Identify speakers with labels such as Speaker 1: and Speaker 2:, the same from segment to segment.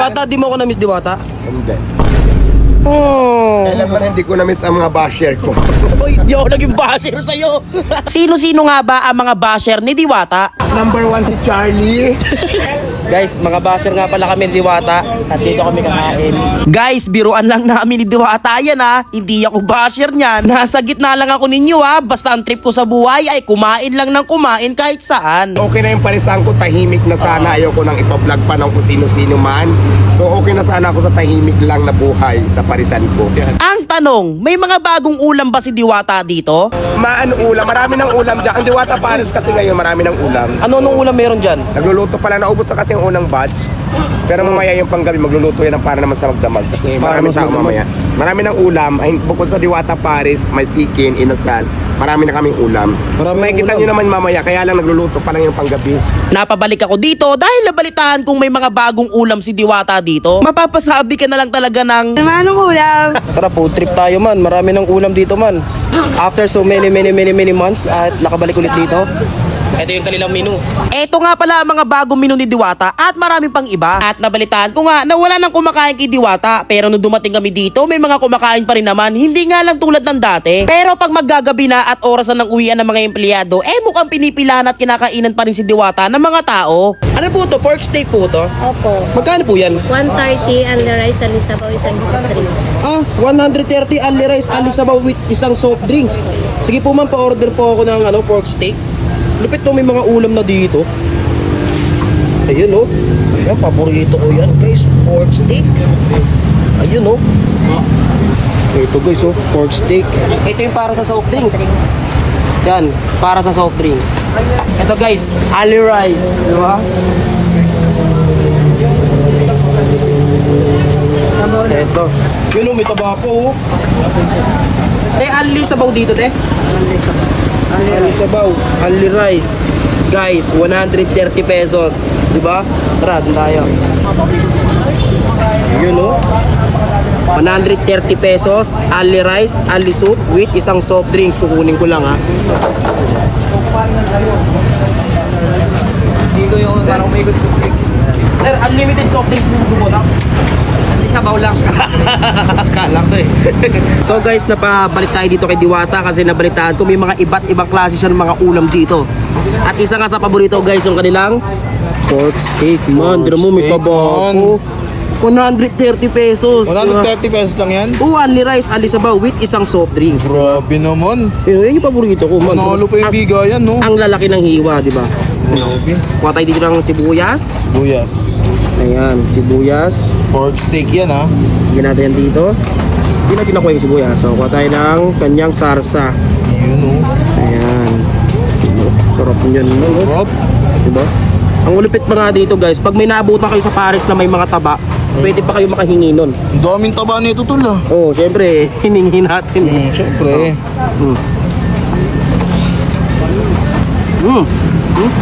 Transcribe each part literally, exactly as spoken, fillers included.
Speaker 1: Diwata, di mo ako na-miss Diwata?
Speaker 2: Hindi.
Speaker 1: Oh.
Speaker 2: Kailan man hindi ko na-miss ang mga basher ko.
Speaker 1: Uy, di ako naging basher sa'yo. Sino-sino nga ba ang mga basher ni Diwata?
Speaker 2: Number one si Charlie.
Speaker 1: Guys, mga basher nga pala kami ni Diwata at dito kami kakain. Guys, biruan lang namin ni Diwata yan ha. Hindi ako basher niyan. Nasa gitna lang ako ninyo ha. Basta ang trip ko sa buhay ay kumain lang ng kumain kahit saan.
Speaker 2: Okay na yung parisan ko, tahimik na sana. Ayoko nang ipa-vlog pa ng kung sino-sino man. So okay na sana ako sa tahimik lang na buhay sa parisan ko.
Speaker 1: Ang tanong, may mga bagong ulam ba si Diwata dito?
Speaker 2: Maan ulam, marami ng ulam dyan. Ang Diwata Paris kasi ngayon, marami ng ulam.
Speaker 1: Ano nung ulam meron dyan?
Speaker 2: Nagluluto pala, naubos na kasi yung unang batch. Pero mamaya yung panggabi, magluluto yan para naman sa magdamag. Kasi
Speaker 1: Para
Speaker 2: marami
Speaker 1: mas
Speaker 2: tao
Speaker 1: magdamag.
Speaker 2: mamaya. Marami ng ulam. Ay, bukod sa Diwata Paris, may chicken, inasal. Marami na kaming ulam.
Speaker 1: Marami
Speaker 2: So, may
Speaker 1: ng
Speaker 2: kita
Speaker 1: ulam.
Speaker 2: nyo naman mamaya, kaya lang nagluluto pa lang yung panggabi.
Speaker 1: Napabalik ako dito dahil nabalitaan kung may mga bagong ulam si Diwata dito. Mapapasabi ka na lang talaga ng
Speaker 3: Anong ulam?
Speaker 1: tara food trip tayo man, marami ng ulam dito man. After so many many many many months at nakabalik ulit dito. Ito yung kanilang menu. Ito nga pala ang mga bagong menu ni Diwata at marami pang iba. At nabalitaan ko nga na wala nang kumakain kay Diwata. Pero nung dumating kami dito, may mga kumakain pa rin naman. Hindi nga lang tulad ng dati. Pero pag maggagabi na at orasan ng uwian ng mga empleyado, eh mukhang pinipilahan at kinakainan pa rin si Diwata ng mga tao. Ano po to? Pork steak po to?
Speaker 3: Opo.
Speaker 1: Magkano po yan?
Speaker 3: one thirty and the rice and isabaw isang soft drinks.
Speaker 1: Ah, one thirty ali rice, ali sabaw with isang soft drinks. Sige po man, pa-order po ako ng ano, pork steak. Lupit to, may mga ulam na dito. Ayun oh. Ayan, paborito ko yan guys, pork steak. Ayun oh. Ito guys oh, pork steak. Ito yung para sa soft drinks. Yan, para sa soft drinks. Ito guys, ali rice. Di ba? Ito. Yun oh, may tabako oh. Te, ali sabaw dito te. Ali sabaw, ali rice. Guys, one thirty pesos. Diba? Tara, dun tayo. Yun oh. one thirty pesos, ali rice, ali soup with isang soft drinks. Kukunin ko lang ha. Dito yung parang may good soft drinks. Sir, unlimited soft drinks mo bumula. Sabaw lang. Kala ko eh. So guys, napabalik tayo dito kay Diwata kasi nabalitaan ko may mga iba't ibang klase siya ng mga ulam dito. At isa nga sa paborito guys yung kanilang pork steak man. Dito mo may
Speaker 4: steak,
Speaker 1: tabako. one thirty pesos.
Speaker 4: one thirty pesos lang yan?
Speaker 1: Oo, only rice, ali sabaw with isang soft drinks.
Speaker 4: Grabe naman.
Speaker 1: Pero yan yung paborito ko man.
Speaker 4: Manalo pa yung
Speaker 1: Ang-
Speaker 4: bigayan, no?
Speaker 1: Ang lalaki ng hiwa, di ba?
Speaker 4: Grabe.
Speaker 1: Kuha tayo dito ng sibuyas.
Speaker 4: Buyas.
Speaker 1: Ayan, sibuyas.
Speaker 4: Pork steak yan, ha?
Speaker 1: Bigyan natin yan dito. Hindi natin nakuha yung sibuyas. So, kuha tayo ng kanyang sarsa.
Speaker 4: Yun, oh.
Speaker 1: Ayan. Oh, sarap niyan. No?
Speaker 4: Rob.
Speaker 1: Diba? Ang ulupit pa nga dito guys, pag may naabutan kayo sa Paris na may mga taba, pwede pa kayo makahingi nun.
Speaker 4: Ang daming taba nito, tol, ah.
Speaker 1: Oo, oh, syempre, hiningi natin.
Speaker 4: Hmm, syempre.
Speaker 1: Mm. Mm. Mm.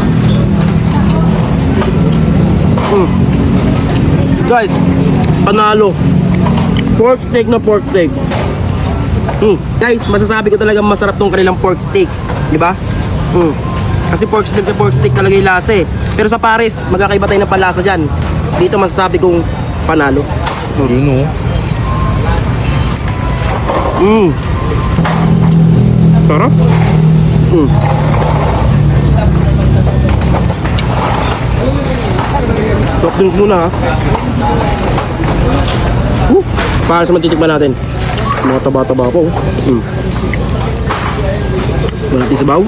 Speaker 1: Mm. Guys, panalo. Pork steak na pork steak. Mm. Guys, masasabi ko talaga masarap tong kanilang pork steak, di ba? Mm. Kasi pork steak na pork steak talaga yung lasa eh. Pero sa Paris, magkakaiba tayo ng palasa dyan. Dito masasabi kong panalo.
Speaker 4: Yun, oh.
Speaker 1: Mm. Sarap. Mm. Soft drinks muna ha. Uh, para sa matitikman natin. Mga taba-taba po. Mm. Malati sabaw.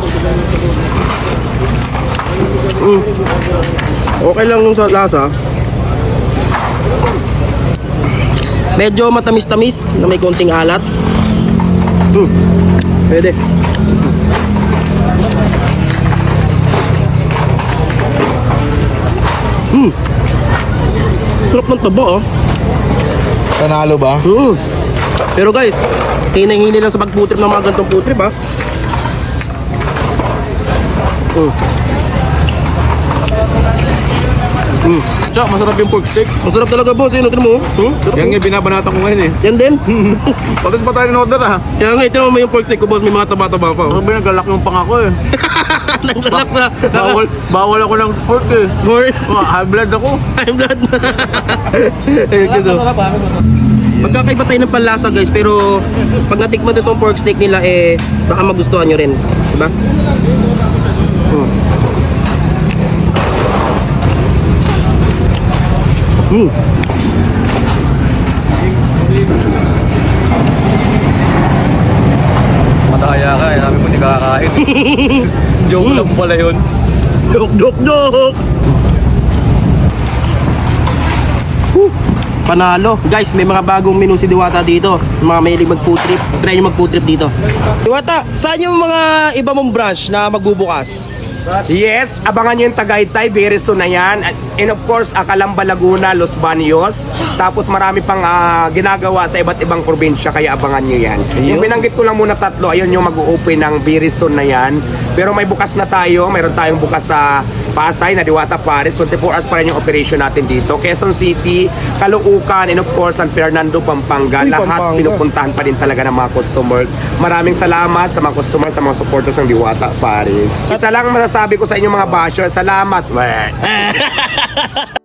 Speaker 1: Mm. Okay lang yung sa lasa. Medyo matamis-tamis na may konting alat. Mm. Pwede. Mm. Sarap ng taba oh.
Speaker 4: Panalo ba?
Speaker 1: Mm. Pero guys, hinahini lang sa pagputrip ng mga gantong putrip ha. Mm.
Speaker 5: Tsaka masarap yung pork steak.
Speaker 1: Masarap talaga boss, yun, tignan mo. Hmm? Sarap,
Speaker 5: Yan
Speaker 1: oh.
Speaker 5: nga binabanata ko ngayon eh.
Speaker 1: Yan din.
Speaker 5: Patis pa tayo in-order ah.
Speaker 1: Kaya nga, tignan mo yung pork steak ko boss, may mga taba-taba pa.
Speaker 5: Ano
Speaker 1: Oh.
Speaker 5: ba nagalak yung pangako eh.
Speaker 1: Naglalak na.
Speaker 5: Bawal, bawal ako ng pork eh.
Speaker 1: More.
Speaker 5: Oh, high blood ako.
Speaker 1: High blood na. Ayun guys, oh. Magkakaiba tayo ng panlasa guys, pero pag natikman itong pork steak nila eh, baka magustuhan nyo rin. Diba? Mm. Mm.
Speaker 5: Mataya ka eh, namin po hindi kakakain. Joke lang pala yun.
Speaker 1: Dok, dok, dok! Whew. Panalo. Guys, may mga bagong menu si Diwata dito. Mga mahilig mag-food trip. Try nyo mag-food trip dito. Diwata, saan yung mga iba mong branch na magbubukas?
Speaker 2: Yes, abangan nyo yung Tagaytay, very soon na yan. And of course, uh, Calamba, Laguna, Los Baños. Tapos marami pang ah, ginagawa sa iba't ibang probinsya, kaya abangan nyo yan. Yung binanggit ko lang muna tatlo, ayun yung mag-open ng very soon na yan. Pero may bukas na tayo, mayroon tayong bukas sa Pasay na Diwata Paris, twenty-four hours pa rin yung operation natin dito. Quezon City, Caloocan, and of course San Fernando, Pampanga.
Speaker 1: Uy,
Speaker 2: Lahat
Speaker 1: Pampanga.
Speaker 2: pinupuntahan pa din talaga ng mga customers. Maraming salamat sa mga customers, sa mga supporters ng Diwata Paris. Isa lang masasabi ko sa inyo mga basher, salamat. Weh.